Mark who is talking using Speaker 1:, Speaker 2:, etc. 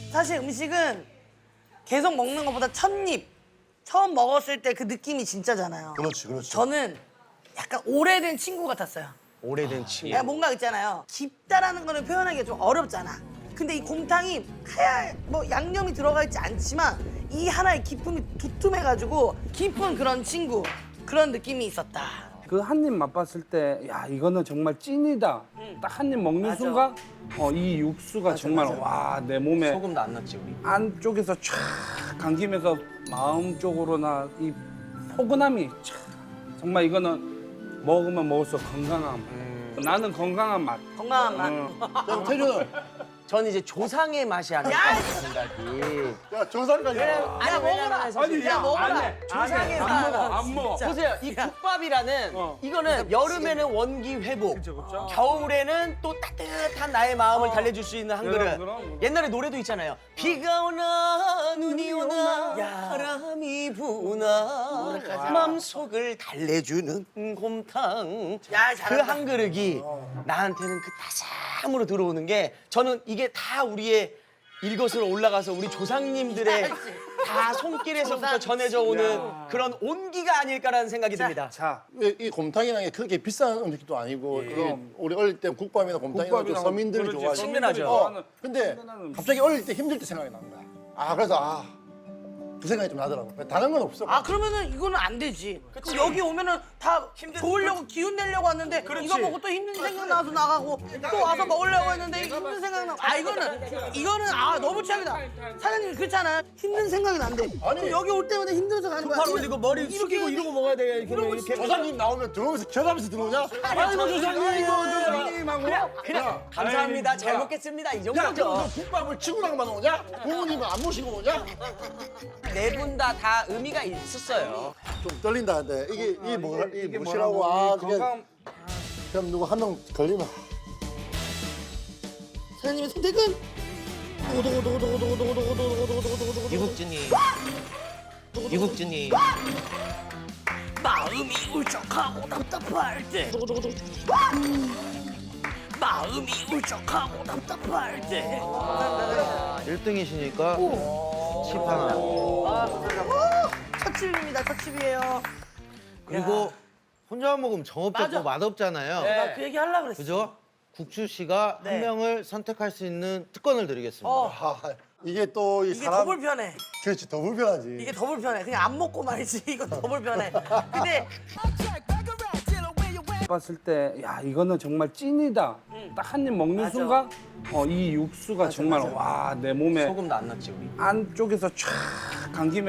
Speaker 1: 사실 음식은 계속 먹는 것보다 첫 입, 처음 먹었을 때 그 느낌이 진짜잖아요.
Speaker 2: 그렇지, 그렇지.
Speaker 1: 저는 약간 오래된 친구 같았어요.
Speaker 3: 오래된 친구.
Speaker 1: 그러니까 뭔가 있잖아요. 깊다라는 거는 표현하기가 좀 어렵잖아. 근데 이 곰탕이 하얀 뭐 양념이 들어가 있지 않지만 이 하나의 기품이 두툼해가지고 깊은 그런 친구 그런 느낌이 있었다.
Speaker 4: 그 한 입 맛봤을 때, 야 이거는 정말 찐이다. 딱 한 입 먹는
Speaker 1: 맞아.
Speaker 4: 순간, 이 육수가 정말
Speaker 1: 맞아.
Speaker 4: 와 내 몸에
Speaker 3: 소금도 안 넣었지 우리.
Speaker 4: 안쪽에서 쫙 감기면서 마음 쪽으로나 이 포근함이 쫙 정말 이거는 먹으면 먹을수록 건강함. 나는 건강한 맛.
Speaker 1: 건강한 맛.
Speaker 2: 그럼 태준은
Speaker 3: 전 이제 조상의 맛이 아닐까 생각이.
Speaker 2: 야 조상까지.
Speaker 1: 야 먹어라.
Speaker 3: 사실
Speaker 1: 야 먹어라.
Speaker 3: 조상의
Speaker 4: 안 먹어,
Speaker 3: 맛.
Speaker 4: 안 먹어.
Speaker 3: 보세요, 이 국밥이라는 이거는 여름에는 원기 회복,
Speaker 4: 그쵸.
Speaker 3: 겨울에는 또 따뜻한 나의 마음을 달래줄 수 있는 한 그릇.
Speaker 4: 그럼.
Speaker 3: 옛날에 노래도 있잖아요. 비가 오나 눈이 오나 바람이 부나 마음속을 달래주는 곰탕.
Speaker 1: 야,
Speaker 3: 그
Speaker 1: 잘한다.
Speaker 3: 한 그릇이 나한테는 그 따스함으로 들어오는 게 저는 이게 다 우리의 일것으로 올라가서 우리 조상님들의 다 손길에서부터 전해져 오는 그런 온기가 아닐까라는 생각이 듭니다.
Speaker 4: 자,
Speaker 2: 이 곰탕이라는 게 그렇게 비싼 음식도 아니고 이게 우리 어릴 때 국밥이나 곰탕이나 좀
Speaker 4: 국밥이랑
Speaker 2: 서민들이
Speaker 4: 그렇지,
Speaker 2: 좋아하지.
Speaker 3: 친근하죠.
Speaker 4: 좋아하는
Speaker 2: 근데
Speaker 4: 친근한 음식.
Speaker 2: 갑자기 어릴 때 힘들 때 생각이 난 거야. 그래서 그 생각이 좀 나더라고. 다른 건 없어.
Speaker 1: 아 그러면은 이거는 안 되지. 그럼 여기 오면은 다 좋으려고 기운 내려고 왔는데 이거 먹고 또 힘든 생각 나서 나가고 또 와서 먹으려고 했는데 힘든 생각 나. 이거는 너무 최악이다. 사장님 그렇잖아. 힘든 생각이 난대.
Speaker 2: 아니.
Speaker 1: 그럼 여기 올 때마다 힘들어서 가는 거야.
Speaker 3: 바로 이거 머리 숙이고 이러고 먹어야 돼. 이렇게.
Speaker 2: 조상님 나오면 들어오면서 겨가면서 들어오냐? 아이고 조상님.
Speaker 3: 그냥 감사합니다. 잘 먹겠습니다. 이
Speaker 2: 야, 그럼
Speaker 3: 정도죠.
Speaker 2: 너 국밥을 친구랑만 오냐? 부모님은 안 모시고 오냐?
Speaker 3: 네 분 다 의미가 있었어요.
Speaker 2: 좀 떨린다. 근데 이게
Speaker 4: 이게
Speaker 2: 뭐시라고?
Speaker 4: 뭐라고?
Speaker 2: 그게
Speaker 4: 건강
Speaker 2: 그럼 누구 한 명 걸리면
Speaker 1: 사장님의 선택은
Speaker 3: 이국진이
Speaker 1: 마음이 울적하고 답답할 때. 마음이 울적하고 답답할 때.
Speaker 5: 1등이시니까 칩 하나.
Speaker 1: 첫 칩입니다. 첫 칩이에요.
Speaker 5: 그리고 혼자 먹으면
Speaker 1: 맞아.
Speaker 5: 정없고 맛없잖아요.
Speaker 1: 나 그 얘기 하려고 그랬어.
Speaker 5: 그죠? 국주 씨가
Speaker 1: 네.
Speaker 5: 한 명을 선택할 수 있는 특권을 드리겠습니다.
Speaker 2: 이게 또 이
Speaker 1: 이게
Speaker 2: 사람
Speaker 1: 더 불편해.
Speaker 2: 그렇지 더 불편하지.
Speaker 1: 이게 더 불편해. 그냥 안 먹고 말이지. 이거 더 불편해. 근데
Speaker 4: 봤을 때, 야 이거는 정말 찐이다. 딱 한 입 먹는
Speaker 1: 맞아.
Speaker 4: 순간, 이 육수가 정말 와 내 몸에
Speaker 3: 소금도 안 넣었지 우리.
Speaker 4: 안쪽에서 쫙 감기면서